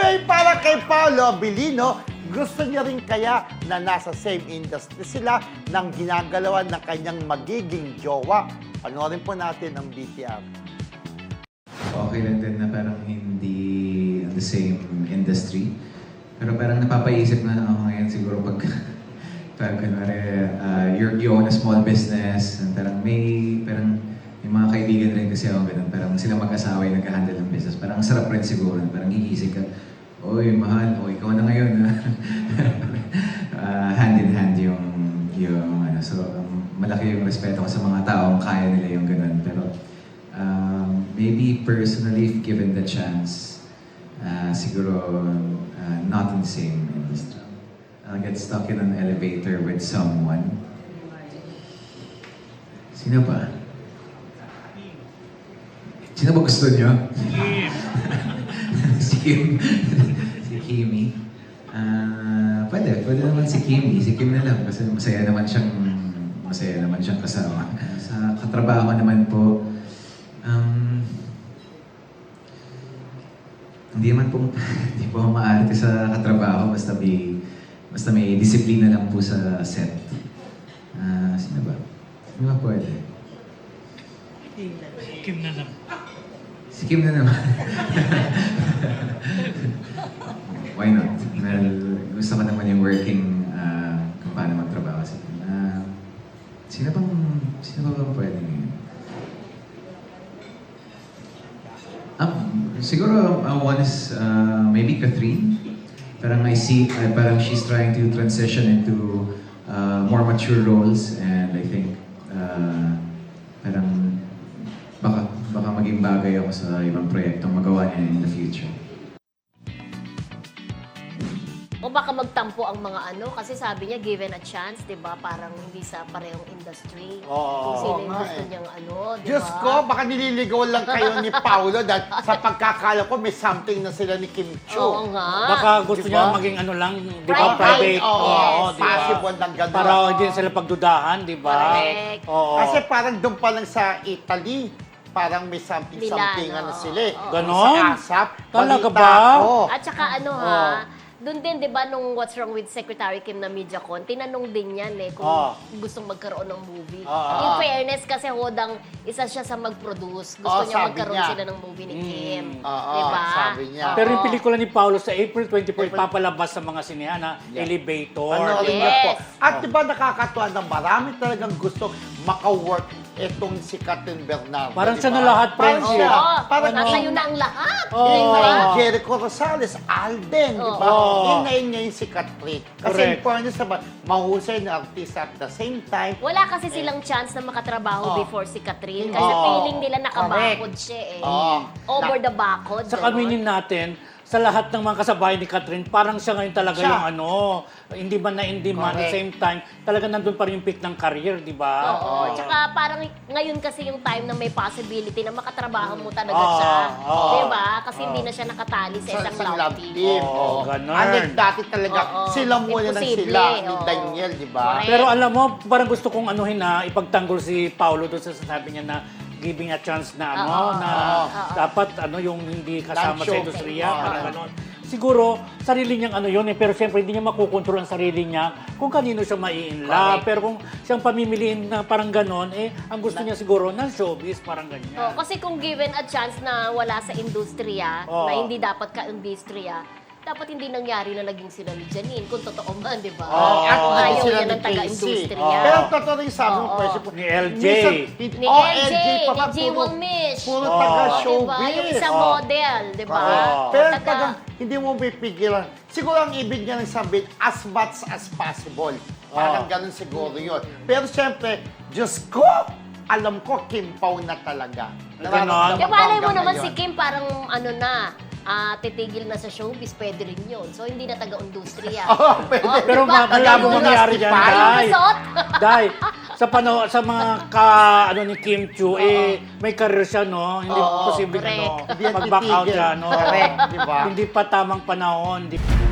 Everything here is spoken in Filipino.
Ngayon para kay Paolo Abilino, gusto niya rin kaya na nasa same industry sila ng ginagalawan ng kanyang magiging jowa. Panoorin po natin ang BTR. Okay lang din na parang hindi on the same industry. Pero parang napapaisip na ako ngayon siguro pag kunwari, you own a small business, and parang may mga kaibigan rin kasi ako ganun, parang sila mag-asawa yung nag-handle ng business. Parang ang sarap rin siguro, parang hihisig ka, oy, mahal, o ikaw na ngayon. Hand in hand yung ano. So, malaki yung respeto ko sa mga taong kaya nila yung ganun. Pero, maybe personally, if given the chance, siguro not in the same industry. I'll get stuck in an elevator with someone. Sino ba? Sino ba gusto niyo? Si Kim. Si Kimi. Pwede naman si Kimi. Si Kim na lang kasi masaya naman siyang kasama. Sa katrabaho naman po, hindi po maarte sa katrabaho basta may disiplina lang po sa set. Sino ba? Sino ba pwede? Kim na lang. Si Kim na naman. Why not? Well, gusto ko naman yung working kung paano magtrabaho sa Kim. Sino ba pwede ngayon? Siguro one is maybe Catherine. Parang I see, parang she's trying to transition into more mature roles, and I think parang baka maging bagay ako sa ibang proyektong magawa niya in the future. O baka magtampo ang mga ano, kasi sabi niya given a chance, di ba? Parang hindi sa parehong industry. Kung sino yung gusto niyang ano, di ba? Diyos ko, baka nililigaw lang kayo ni Paolo dahil sa pagkakala ko may something na sila ni Kim Chiu. Oo nga. Baka gusto Diba? niya maging ano lang, di ba? Private. Oo, di ba? possible ng gano'n. Para hindi sila pagdudahan, di ba? Correct. Oo. Kasi parang doon pa lang sa Italy, parang may something Milano. ano sila eh. Oo. Ganon? Sa ASAP. Talaga balita ba? ko. At saka ano ha, doon din, di ba, nung What's Wrong with Secretary Kim na MediaCon, tinanong din yan eh, kung gustong magkaroon ng movie. In fairness, kasi hodang isa siya sa mag-produce. Gusto niya sabi magkaroon niya. sila ng movie ni Kim. Oo, Di ba? sabi niya. Pero yung pelikula ni Paolo sa April 24, papalabas sa mga sinehan, Elevator. Ano rin Yes. niya po. At di ba nakakatuwa na marami talagang gusto maka-work itong si Catherine Bernardo. Parang di siya ba? na lahat, Parang friendship. siya. Oo, Parang nasa na ang lahat. Oo. Di ba? Jericho Rosales, Alden, di ba? Oo. Inayin niya yung si Catherine. Kasi Correct. in fairness naman, mahusay na artista at the same time. Wala kasi silang chance na makatrabaho Oo. before si Catherine. Kasi Oo. feeling nila nakabakod siya eh. Oo. Over the bakod. Sa ganon. kaminin natin, sa lahat ng mga kasabayan ni Catherine, parang siya ngayon talaga Siya. yung ano, hindi man na hindi man, at the Correct. same time, talaga nandun pa rin yung peak ng career, di ba? Oo. Tsaka parang ngayon kasi yung time na may possibility na makatrabaho mo talaga Oo. siya. Oo. Di ba? Kasi hindi na siya nakatali sa isang love team. Oo, ganun. Unlike dati talaga, Oo. sila muna ng Imposible, sila ni oo. Daniel, di ba? Correct. Pero alam mo, parang gusto kong anuhin na ipagtanggol si Paolo doon sa sasabi niya na giving a chance na ano, Oo. na dapat ano yung hindi kasama sa Non-show. industriya, Oo. parang ganon. Siguro, sarili niyang ano yun eh, pero siyempre hindi niya makukontrol ang sarili niya kung kanino siya mai-in love. Correct. Pero kung siyang pamimiliin na parang ganon, eh, ang gusto niya siguro ng showbiz, parang ganyan. Oo, kasi kung given a chance na wala sa industriya, Oo. na hindi dapat ka-industriya, dapat hindi nangyari na naging sila ni Janine, kung totoo man, di ba? Oh, at Ayaw naging sila niya ni ng taga-industriya. Pero totoo rin sabi mo, Oo. pwede po. Ni LJ. Ni LJ, pa ni ba? G. Wangmish. Puro Oo. taga-showbiz. Diba? Yung isang Oo. model, di ba? Oo. Pero Taga- talagang hindi mo pipigilan. Siguro ang ibig niya nang sabihin, as much as possible. Parang ganun siguro yun. Pero siyempre, Diyos ko, alam ko, Kim Pao na talaga. Ganon. Kaya malay mo hanggang naman ngayon. si Kim parang ano na, titigil na sa showbiz, pwede rin yun. So, hindi na taga-industriya. Oo, pwede. Pero diba? malabo Ganun mangyari na, dyan, Stefan. Yung Day. resort. Day, sa mga ano ni Kim Chiu, may career siya, no? Hindi Oo, posible, correct. no? Hindi yan Mag-back out titigil. siya, no? Correct, di ba? Hindi pa tamang panahon.